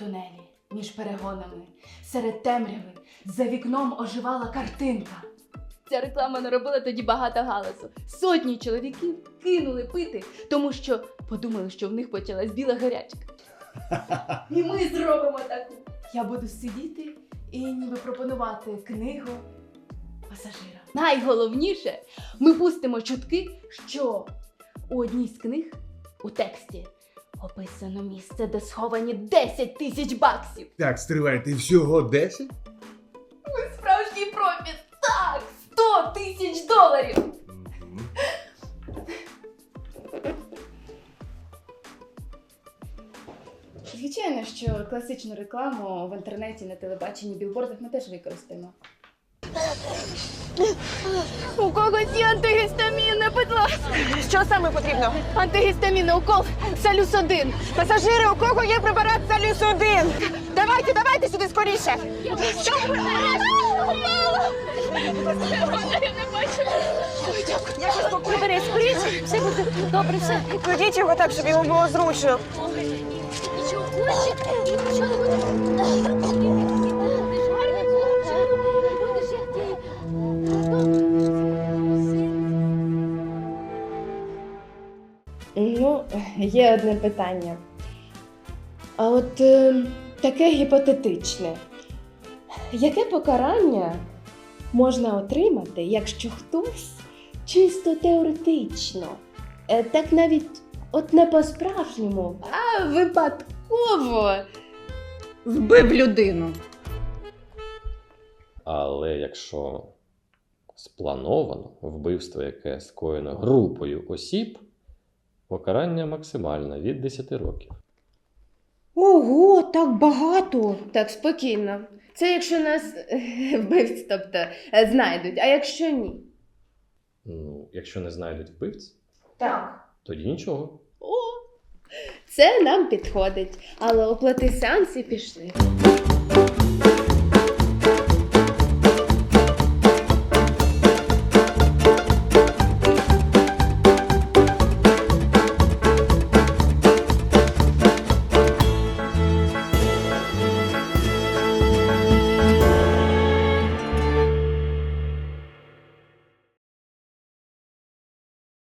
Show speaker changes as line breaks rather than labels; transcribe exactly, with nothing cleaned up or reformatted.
тунелі, між перегонами, серед темряви, за вікном оживала картинка. Ця реклама наробила тоді багато галасу. Сотні чоловіків кинули пити, тому що подумали, що в них почалась біла гарячка. І ми зробимо таку. Я буду сидіти і ніби пропонувати книгу пасажирам. Найголовніше, ми пустимо чутки, що у одній з книг у тексті описано місце, де сховані десять тисяч баксів.
Так, стривайте, всього десять?
Ми справжній профіт! Так! сто тисяч доларів! Звичайно, що класичну рекламу в інтернеті, на телебаченні, білбордах ми теж використаємо. У когось є антигістамінне, будь ласка.
Що саме потрібно?
Антигістамінний укол Салюс один.
Пасажири, у кого є препарат Салюс один? Давайте, давайте сюди скоріше. Що ви? Я щось покупаю.
Берись, скоріше, все буде добре, все.
Кладіть його так, щоб йому було зручно.
Нічого хоче, нічого не буде. Ти ж гарний хлопчик, будеш як ти.
Ну, є одне питання. А от е, таке гіпотетичне. Яке покарання можна отримати, якщо хтось чисто теоретично, е, так навіть от не по-справжньому, а випадково
Вбив людину.
Але якщо сплановано вбивство, яке скоєно групою осіб, покарання максимальне від десяти років.
Ого, так багато.
Так, спокійно. Це якщо нас е, вбивць, тобто, е, знайдуть, а якщо ні?
Ну, якщо не знайдуть вбивць,
Так.
тоді нічого.
О, це нам підходить, але оплати сеанс і пішли.